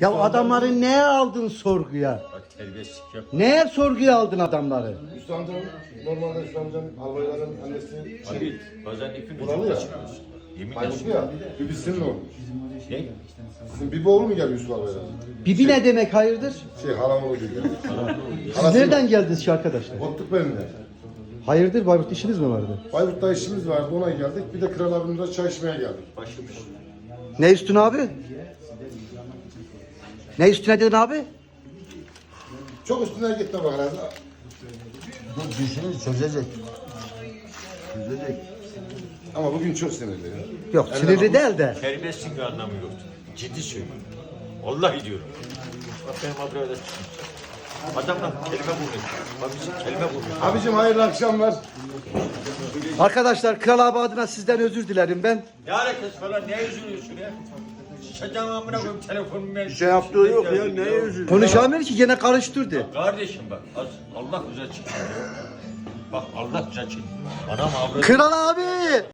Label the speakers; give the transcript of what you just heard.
Speaker 1: Ya adamları neye aldın sorguya?
Speaker 2: Bak terbiyesizlik yap.
Speaker 1: Neye sorguya aldın adamları?
Speaker 3: Hüsnü amcam, normalde Hüsnü amcam albayların annesi
Speaker 2: Abi bazen ipin
Speaker 3: Buralı
Speaker 2: ucunu
Speaker 3: ya.
Speaker 2: kaçırıyorsun. Yemin
Speaker 3: Bayburtlu
Speaker 2: ederim.
Speaker 3: ya. Bibi sizin mi olmuş?
Speaker 2: Ne?
Speaker 3: Sizin Bibi oğlu mu geldi Yusuf albaylara?
Speaker 1: Bibi ne demek hayırdır?
Speaker 3: Halam oğlu diyor.
Speaker 1: Siz nereden geldiniz ki arkadaşlar?
Speaker 3: Otluk benimle.
Speaker 1: Hayırdır Bayburt işiniz mi vardı?
Speaker 3: Bayburt'ta işimiz vardı, ona geldik. Bir de Kral abimle çay içmeye geldik.
Speaker 2: Başlamış.
Speaker 1: Ne üstüne abi? Ne üstüne dedin abi?
Speaker 3: Çok üstüne gitme bak herhalde.
Speaker 4: Bu dişini çözecek. Çözecek.
Speaker 3: Ama bugün çok sinirli ya.
Speaker 1: Yok sinirli değil de.
Speaker 2: Terbiyesizlik bir anlamı yoktu. Ciddi söylüyorum. Vallahi diyorum. Bak benim abrada çıkmış. Adamlar kelime bulmuş. Bak bizim kelime bulmuş.
Speaker 3: Abicim hayırlı akşamlar.
Speaker 1: Arkadaşlar Kral abi adına sizden özür dilerim ben.
Speaker 2: Ne alakası falan ne üzülüyorsun ya? Şacan amına koyayım telefonumu ver.
Speaker 4: Bir şey yaptığı yok ya. Neye üzülüyor?
Speaker 1: Konuşamıyor ki gene karıştırdı.
Speaker 2: Kardeşim bak Allah güzel çıkıyor. Bak Allah güzel çıkıyor. Anam avradı.
Speaker 1: Kral abi!